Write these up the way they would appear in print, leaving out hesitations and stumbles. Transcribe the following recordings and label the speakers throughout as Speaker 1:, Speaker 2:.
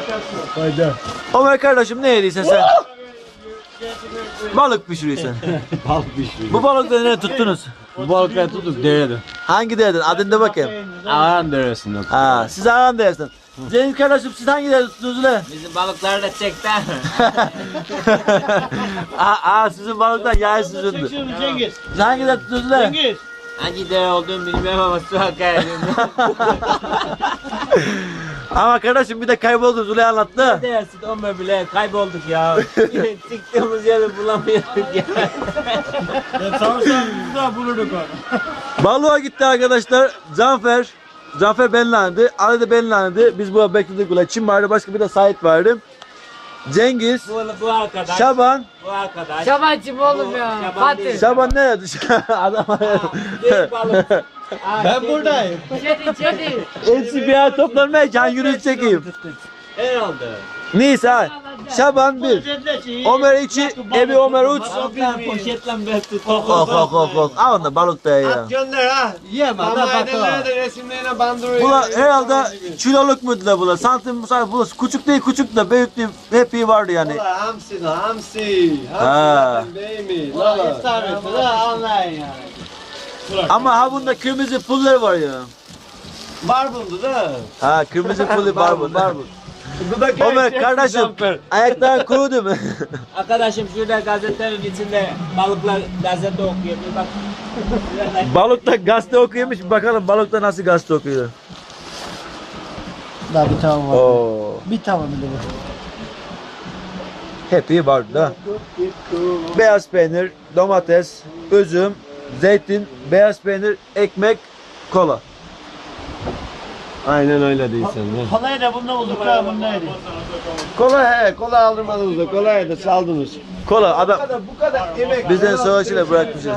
Speaker 1: Fayda.
Speaker 2: Ömer kardeşim ne yediysen sen? Balık pişiriyorsun.
Speaker 1: Balık pişiriyor.
Speaker 2: Bu balıkları ne tuttunuz?
Speaker 1: Bu balıkları tuttuk değerli.
Speaker 2: Hangi dereden? Adını da bakayım.
Speaker 1: Ağan deresinden.
Speaker 2: Ha, siz ağam dersin. Cengiz kardeşim siz hangi dereden tuttunuz lan?
Speaker 3: Bizim balıklar da çekti.
Speaker 2: Sizin balıklar yay sizindir.
Speaker 4: Cengiz.
Speaker 2: Siz hangi dereden tuttunuz lan?
Speaker 4: Cengiz.
Speaker 3: Hangi dere olduğunu bilmiyorum ama su akar.
Speaker 2: Ama kardeşim bir de kayboldu Züley anlattı.
Speaker 3: Dersin Ömer bile kaybolduk ya. Çıktığımız yeri bulamıyorduk ya.
Speaker 4: Sorsan biz daha bulurduk onu.
Speaker 2: Balığa gitti arkadaşlar. Cafer benlendi. Ali de benlendi. Biz burada bekledik ulan. Çin vardı, başka bir de Sait vardı. Cengiz,
Speaker 3: Bu arkadaş.
Speaker 2: Şaban.
Speaker 3: Bu arkadaş.
Speaker 5: Şabancım oğlum ya.
Speaker 3: Şaban
Speaker 5: Fatih.
Speaker 3: değil.
Speaker 2: Şaban nerede? Adam
Speaker 3: Değil balık.
Speaker 4: Ben buradayım.
Speaker 5: Çetin.
Speaker 2: hepsi bir yer toplanmaya can yürüyüş çekeyim.
Speaker 3: Herhalde.
Speaker 2: Neyse. Şaban 1. Ömer 2. Ebi Ömer 3.
Speaker 3: Balıklar poşetle ben tuttum.
Speaker 2: Oh. Al onda balık da ya.
Speaker 1: Gönder ha.
Speaker 4: Yiyemem.
Speaker 1: Ama ailelerine resimlerine bandırıyor.
Speaker 2: Bula herhalde kiloluk muydular bula? Santim bula küçük değil küçük de büyük değil. Hep iyi vardı yani.
Speaker 1: Ulan hamsi la hamsi.
Speaker 2: Ha.
Speaker 1: Hamsi zaten değil mi?
Speaker 4: Ulan
Speaker 1: Lala.
Speaker 4: istavrit'i de anlayın yani.
Speaker 2: Ama ha bunda kırmızı pulları var ya.
Speaker 1: Barbundu da.
Speaker 2: Ha kırmızı pullu barbun.
Speaker 1: Bu da
Speaker 2: Ömer kardeşim ayakların kurudu mu?
Speaker 3: Arkadaşım şurada gazetenin içinde balıklar gazete okuyor. Bir bak.
Speaker 2: Balıkta gazete okuyormuş. Bakalım balıkta nasıl gazete okuyor.
Speaker 4: Daha bir tamam var.
Speaker 2: Oo.
Speaker 4: Bir tamam bir de bu.
Speaker 2: Hep iyi vardı da. Beyaz peynir, domates, üzüm, zeytin, beyaz peynir, ekmek, kola.
Speaker 1: Aynen öyle değilsen.
Speaker 4: Kolayı da bunda bulduk ha bundaydı.
Speaker 1: Kola aldırmadınız da kolayı da saldınız.
Speaker 2: Kola adam
Speaker 1: Bu kadar yemek.
Speaker 2: bizden savaşıyla bırakmışız.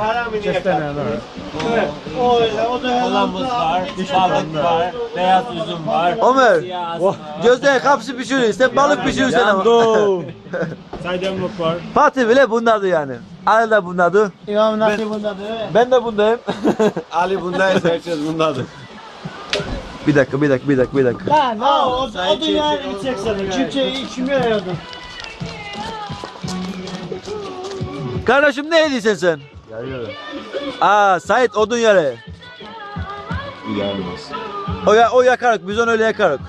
Speaker 4: O da
Speaker 3: Kolamız var, balık var, beyaz üzüm var.
Speaker 2: Ömer,
Speaker 3: Siyah asma var.
Speaker 2: gözde kapsı pişiriyor. Sen balık pişiriyorsun ama.
Speaker 4: Saydamlık var.
Speaker 2: Fatih bile bundadı yani. Ali de bundadı.
Speaker 4: İmam Nasip bundadır.
Speaker 2: Ben de bundayım.
Speaker 1: Ali bundaysa herkes bundadır.
Speaker 2: bir dakika.
Speaker 4: Lan o da yani bir çeksene. Kimse yaradı.
Speaker 2: Kardeşim ne yediysen sen? Sait odun yere.
Speaker 1: Gelmez.
Speaker 2: O yakarık, biz onu öyle yakarık.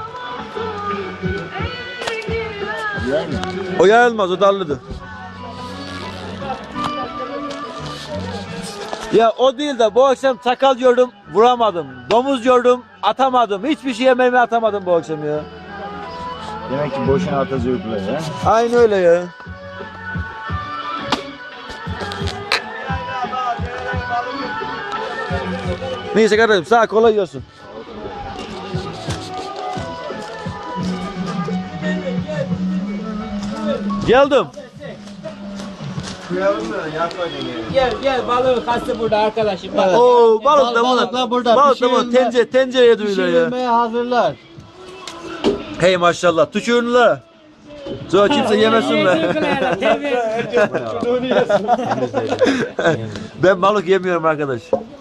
Speaker 2: O yarılmaz, o dallıdır. Ya o değil de bu akşam sakal gördüm, vuramadım. Domuz gördüm, atamadım. Hiçbir şey yemeğimi atamadım bu akşam ya.
Speaker 1: Demek ki boşuna atazıyordular ya.
Speaker 2: Aynı öyle ya. Neyse kardeşim sağ kolay gelsin. Geldim.
Speaker 1: Kıyalım mı? Yakmayın yani.
Speaker 3: Gel balığı kastı burada arkadaşım. Bak.
Speaker 2: Oo balık da
Speaker 4: Balıklar burada,
Speaker 2: Balık da bunu
Speaker 4: pişirilme-
Speaker 2: tencereye duyuyorlar ya.
Speaker 4: Pişirilmeye hazırlar.
Speaker 2: Hey maşallah tükürünler. Sonra kimse yemesin be. Ben balık yemiyorum arkadaş.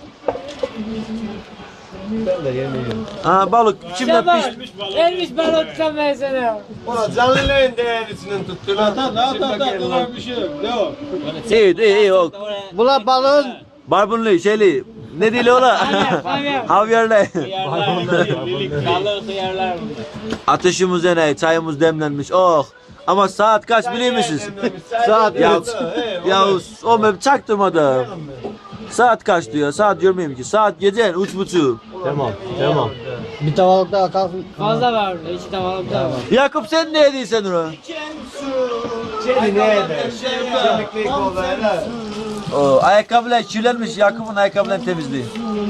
Speaker 1: Ben de yemiyorum.
Speaker 2: Balık içimden pişti.
Speaker 5: Elmiş balık tutamaya sana.
Speaker 1: Ulan canlıların değerisinin tuttular.
Speaker 4: Bir şey yok. Devam.
Speaker 2: İyi o.
Speaker 4: Bula balığın
Speaker 2: Barbunlu şeyli. Ne dili ola? Havyarlı.
Speaker 3: Balığı hıyarlar bunlar.
Speaker 2: Ateşimiz yanıyor, çayımız demlenmiş. Oh. Ama saat kaç biliyor musunuz?
Speaker 1: Saat
Speaker 2: Ya o mem çaktırmadı. Saat kaç diyor? Saat görmeyeyim ki. Saat gece 3:30.
Speaker 1: Tamam.
Speaker 4: bir tavalık daha kalsın.
Speaker 5: Fazla var burada. İki tavalık daha var.
Speaker 2: Yakup sen ne yediysen onu?
Speaker 1: Çeli ne eder? Çelikli kollarla.
Speaker 2: O ayakkabılar kirlenmiş. Yakup'un ayakkabılarını temizliği.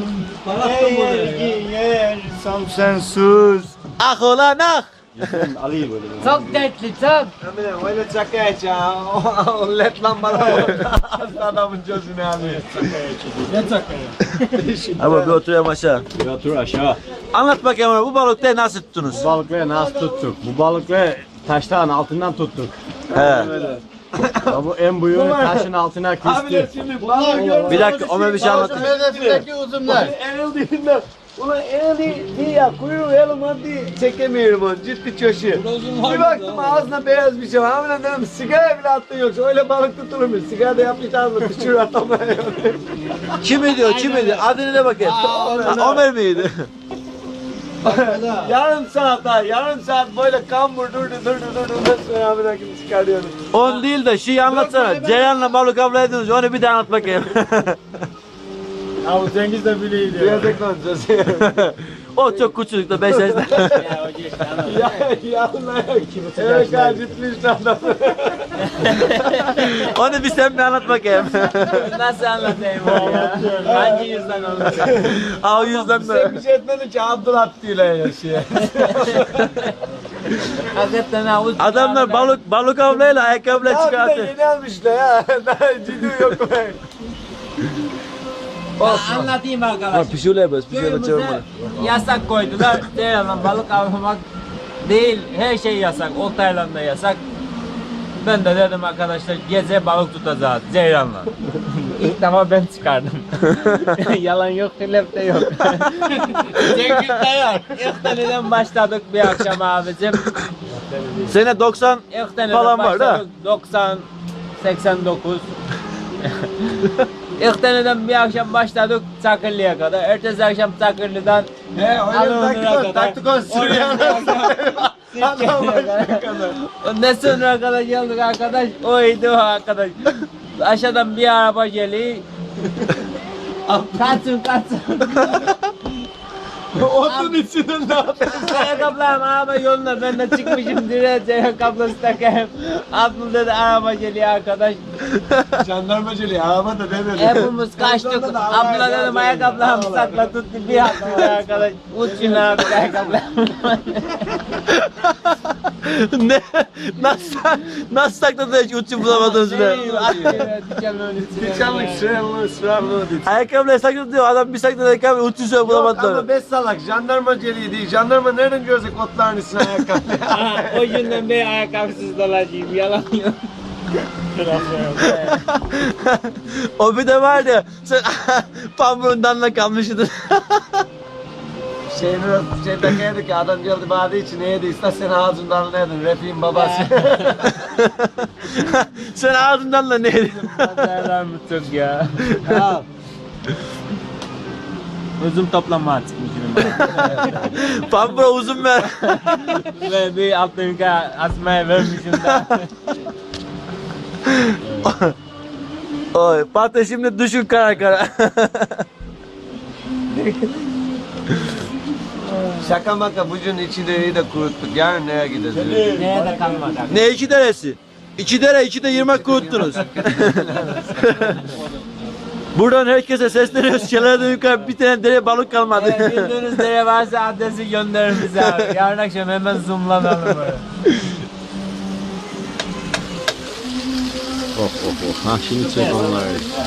Speaker 1: Sam sen sus.
Speaker 2: Ah ulan ah.
Speaker 1: Ali'yi böyle.
Speaker 5: Çok dertli çok.
Speaker 1: Eminim öyle çaka et ya. O led lambalar adamın gözünü alıyor.
Speaker 4: Ne takıyor?
Speaker 2: Ama bir oturayım aşağı.
Speaker 1: Otur aşağı.
Speaker 2: Anlat bakayım bana, bu balıkları nasıl tuttunuz?
Speaker 1: Bu balıkları nasıl tuttuk? Bu balıkları taştan altından tuttuk.
Speaker 2: He.
Speaker 1: Ya bu en büyüğünü taşın altına küstü.
Speaker 2: Bir dakika Ömer bir şey anlatayım.
Speaker 4: Hedefindeki uzunlar.
Speaker 1: Eril dibinden Ulan eli değil ya kuyruğu elim değil çekemiyorum onu ciddi çoşu. Bir baktım ağzına beyaz bir şey var. Ama dedim sigara bile attı yoksa öyle balık tutulur mu? Sigara da yapmış ağzına düşürür atamıyor.
Speaker 2: Kim diyor? Kim diyor? Adını de bakayım. Ömer miydi?
Speaker 1: Yarım saat daha yarım saat böyle kambur durdu. Sonra abi de çıkarıyorum.
Speaker 2: 10 değil de şeyi anlatsana. Ceylan'la balık avlaydınız. Onu bir daha anlat bakayım.
Speaker 4: Abi Cengiz de bileydi ya.
Speaker 1: Biraz konuşacağız.
Speaker 2: O çok küçük de 5 yaşında.
Speaker 3: Ya hoca işte anladım.
Speaker 1: Ya Allah. Evet ciddi adam.
Speaker 2: Onu bir sen bir anlat bakayım.
Speaker 3: Nasıl anlatayım onu ya? Hangi yüzden anlatayım?
Speaker 2: O yüzden
Speaker 1: Sen
Speaker 2: de.
Speaker 1: bir şey etmedin ki Abdullah diyorlar ya şey.
Speaker 3: Hakikaten havuz.
Speaker 2: Adamlar balık avlayla ayakkabıyla
Speaker 1: Ya bir de
Speaker 2: çıkartıyor.
Speaker 1: yeni almışlar ya. Daha ciddi yok be.
Speaker 3: Anlatayım arkadaşlar.
Speaker 2: Pişiyorlar yapıyoruz.
Speaker 3: Köyümüze yasak koydular. Ceylan'la balık avlamak değil, her şey yasak. Oltayla da yasak. Ben de dedim arkadaşlar gece balık tutacağız Ceylan'la. İlk defa ben çıkardım. Yalan yok, hilaf de yok. Cengiz de yok. İlk deneden başladık bir akşam abicim.
Speaker 2: Sene 90
Speaker 3: İlk deneden
Speaker 2: falan var da.
Speaker 3: başladık. 90, 89. İlk deneden bir akşam başladık Çakırlı'ya kadar. Ertesi akşam Çakırlı'dan
Speaker 1: Öyle taktik on sürüyor. Adam başka kadar.
Speaker 3: Ondan sonra arkadaş geldik arkadaş. Oydu o arkadaş. Aşağıdan bir araba geliyor. Kaçın.
Speaker 1: Otun içinden ne yapıyorsun?
Speaker 3: Ayakkabılarım araba yoluna ben de çıkmışım direğe ayakkabısı takayım. Abdül dedi araba geliyor arkadaş.
Speaker 1: Jandarmacılığı araba da demedi.
Speaker 3: Hepimiz kaçtık. Abdül'e dedim ayakkabılarımı sakla tuttu bir attım arkadaş. Uçun arkadaş ayakkabılarımı.
Speaker 2: ne? Nasıl sakladın hiç uçun bulamadınız bile?
Speaker 1: Dükkanlık sıralını değil.
Speaker 2: Ayakkabıyla sakladı diyor. Adam bir sakladı ayakkabı uçun şöyle
Speaker 1: Yok
Speaker 2: bulamadılar.
Speaker 1: ama 5 salak jandarmacılığı değil. Jandarma nereden görecek otların üstüne ayakkabı?
Speaker 3: O günden beri ayakkabısız dolaşayım yalan yok.
Speaker 2: O bir de vardı. Sen pambuğundan da kalmışydın.
Speaker 1: Şey takaydı ki adam geldi bana için neydi istersen ağzından neydin Refik'in babası.
Speaker 2: Sen ağzından da ne yedin?
Speaker 3: Pazarlar mı çok ya? Uzun toplama çıkmışım.
Speaker 2: Pambuğa uzun ver.
Speaker 3: Ve bir altın yukarı asmaya vermişim de.
Speaker 2: Oy, Fatih şimdi düşün kara kara.
Speaker 1: Şaka maka bucun içi de kuruttuk. Yarın nereye gideceğiz?
Speaker 3: Neye de kalmadı.
Speaker 2: Ne iki deresi? İki dere, iki de 20 kuruttunuz. Buradan herkese sesleniyoruz. Şelaleden yukarı bir tane dere balık kalmadı.
Speaker 3: Evet, bildiğiniz dere varsa adresi gönderin bize abi. Yarın akşam hemen zoomlanalım böyle.
Speaker 2: Ha şimdi çek onları.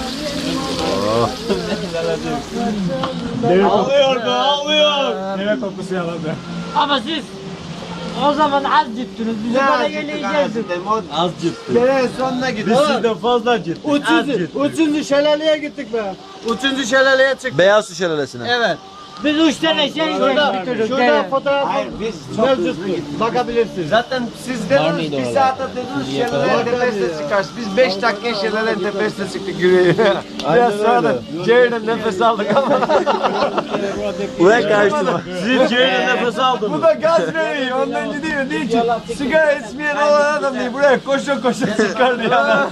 Speaker 4: Ağlıyor. Deve kokusu yaladı.
Speaker 5: Ama siz o zaman az gittiniz. Bize bana geleceğiz.
Speaker 1: Az ciddi. Derenin sonuna gittik.
Speaker 4: Sizden fazla ciddi.
Speaker 1: Üçüncü şelaleye gittik be. Üçüncü şelaleye çıktık.
Speaker 2: Beyaz su şelalesine.
Speaker 1: Evet.
Speaker 5: Biz 3 tane şey bitirdik.
Speaker 1: Şurada fotoğraf mevcuttur. Bakabilirsiniz. Zaten siz dediniz bir saate dediniz şelalenin tepesine çıkarsın. Biz 5 dakika şelalenin tepesine çıktık yürüyün. Biraz sonra da ciğerden nefes aldık ama.
Speaker 2: Buraya karıştırma.
Speaker 4: Siz ciğerine nefes aldınız.
Speaker 1: Bu da gaz veriyor. Ondan gidiyor. Diyor ki sigara içmeyen olan adam değil. Buraya koşa koşa çıkar diyor.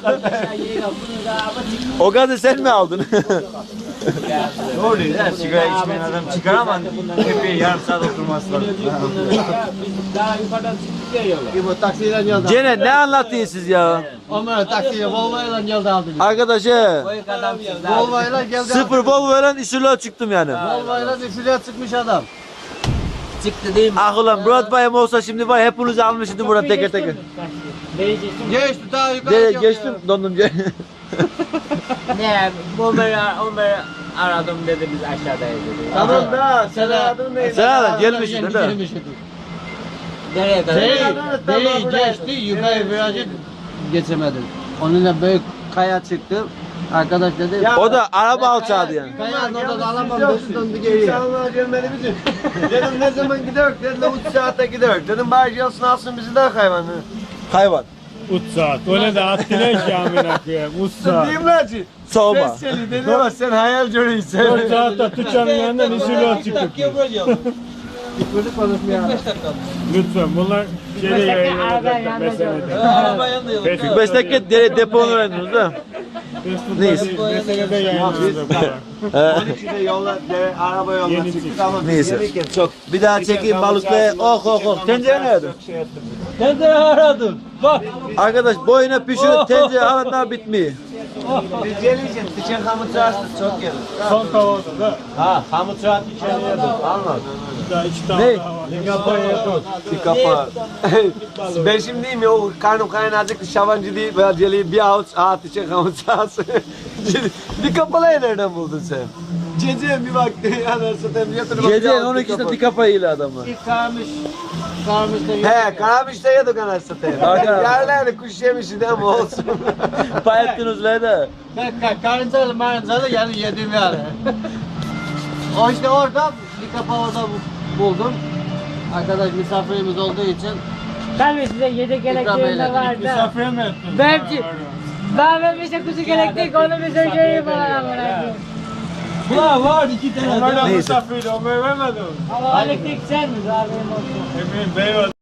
Speaker 2: O gazı sen mi aldın?
Speaker 1: Doğru değil. Sigara içmeyen adam çıkar ama tepeye yarım saat oturması lazım.
Speaker 3: Daha yukarıdan çıktık ya yola.
Speaker 1: Bu taksiyle geldi.
Speaker 2: Gene ne anlattınız siz ya?
Speaker 1: Onlar taksiye Volvo'yla geldi aldı.
Speaker 2: Arkadaş
Speaker 3: Boyuk adamsınız abi.
Speaker 1: Volvo'yla geldi.
Speaker 2: sıfır Volvo'yla işürlüğe çıktım yani.
Speaker 1: Volvo'yla üfürüye çıkmış adam.
Speaker 3: Çıktı değil mi?
Speaker 2: Ah ulan Murat bayım olsa şimdi var hepinizi almıştım burada teker teker.
Speaker 1: Geçti daha yukarı.
Speaker 2: Dere geçtim dondum.
Speaker 3: Ne? Onları aradım dedi biz aşağıdayız dedi.
Speaker 1: Tamam da sen adın neydi?
Speaker 2: Sen de gelmişsin değil mi?
Speaker 3: Nereye kadar?
Speaker 1: Dereyi geçti yukarı virajı geçemedim. Onunla büyük kaya çıktı.
Speaker 5: Arkadaş dedi.
Speaker 2: O da araba alçadı yani.
Speaker 5: Kayağın orada da alamam
Speaker 1: Yok,
Speaker 5: dedi döndü geriye.
Speaker 1: İnsanlar gelmeli bizim. Dedim ne zaman gidiyor? Dediler 3 saate gidiyor. Dedim bari gelsin alsın bizi de hayvanı.
Speaker 2: Hayvan.
Speaker 4: Utsaat. Öyle de attılar ki amına koyayım. Utsaat.
Speaker 1: Diyeyim lan ki.
Speaker 2: Soğuma.
Speaker 1: Ses seni dedi ama sen hayal görüyorsun.
Speaker 4: 4 saatte Tuçan'ın yanından üzülüyor çıktık. Lütfen bunlar şeyde yayınlanacak. Meselede.
Speaker 2: 45 dakika deponu verdiniz ha. Neyse.
Speaker 4: Meselede yayınlanacak.
Speaker 1: 12'de yolla, araba yoluna
Speaker 4: Yeni
Speaker 1: çıktık
Speaker 4: çıktı.
Speaker 1: ama biz
Speaker 2: Neyse.
Speaker 1: gelirken çok
Speaker 2: Bir daha çekeyim balıkla. Oh oh oh. Tencere nerede?
Speaker 1: şey yaptım.
Speaker 3: Tencere aradım. Bak.
Speaker 2: Arkadaş boyuna pişiyor. Tencere alanlar bitmiyor.
Speaker 1: Biz gelirken tıçın hamur çağırsın çok gelir.
Speaker 4: Son kavada da.
Speaker 1: Ha hamur çağırsın içeri yedim. Anladın.
Speaker 4: Daha 2 tane
Speaker 2: Ne?
Speaker 4: daha var.
Speaker 1: Bir kafa. Ben şimdi diyeyim ya o karnım kaynayacak şavancı değil veya celiği bir avuç tıçın hamur çağırsın. Bir kapalayı nereden buldun sen? Gece bir baktı anasını hem yatırıp
Speaker 2: Gece 12'de dik kafayla adamlar.
Speaker 1: He karamışta yedik anasını satayım. Yerlerine kuş yemişti ama olsun.
Speaker 2: Payettiniz lan da.
Speaker 5: Karıncalı marıncalı yani yedim yani. O işte orada bir kapağı orada buldum. Arkadaş misafirimiz olduğu için
Speaker 6: Tabii size yedek elektriğinde vardı.
Speaker 4: Misafir mi ettin?
Speaker 6: Belki ben vermişe kuzu elektrik onu bize göreyim bana amına.
Speaker 3: Ulan var 2 tane.
Speaker 4: Onlarla
Speaker 2: Neyse.
Speaker 4: misafirdi. O vermedi mi?
Speaker 6: Ama elektrik sen mi abi olsun.
Speaker 4: Emin bey var.